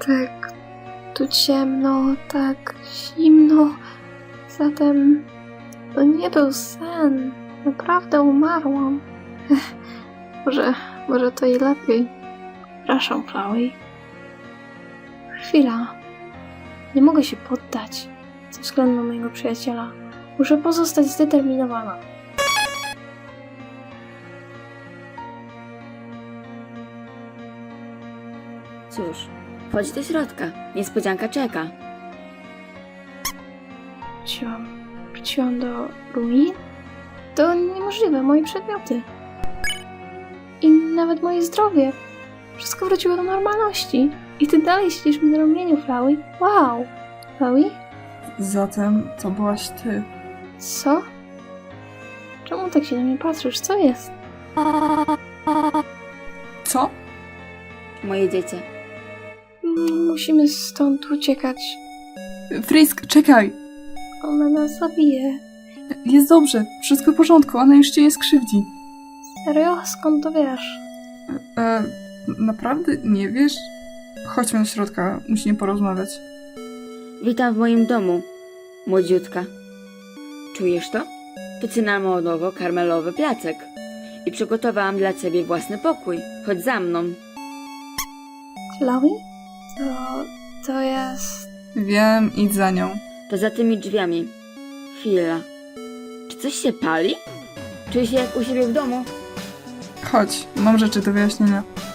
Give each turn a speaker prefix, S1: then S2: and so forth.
S1: Tak tu ciemno, tak zimno. Zatem to nie był sen. Naprawdę umarłam. Może to i lepiej. Przepraszam, Chloe. Chwila. Nie mogę się poddać. Ze względu na mojego przyjaciela. Muszę pozostać zdeterminowana.
S2: Cóż, chodź do środka. Niespodzianka czeka.
S1: Wróciłam do ruin? To niemożliwe, moje przedmioty. I nawet moje zdrowie. Wszystko wróciło do normalności. I ty dalej siedzisz mi na ramieniu, Flowey. Wow! Flowey?
S3: Zatem to byłaś ty.
S1: Co? Czemu tak się na mnie patrzysz? Co jest?
S3: Co?
S2: Moje dziecię.
S1: Musimy stąd uciekać.
S3: Frisk, czekaj!
S1: Ona nas zabije.
S3: Jest dobrze, wszystko w porządku, ona już cię nie skrzywdzi.
S1: Serio? Skąd to wiesz?
S3: Naprawdę nie wiesz? Chodźmy do środka, musimy porozmawiać.
S2: Witam w moim domu, młodziutka. Czujesz to? To cynamonowo-karmelowy placek. I przygotowałam dla ciebie własny pokój. Chodź za mną.
S1: Chloe? To jest...
S3: Wiem, idź za nią.
S2: To za tymi drzwiami. Chwila. Czy coś się pali? Czuję się jak u siebie w domu.
S3: Chodź, mam rzeczy do wyjaśnienia.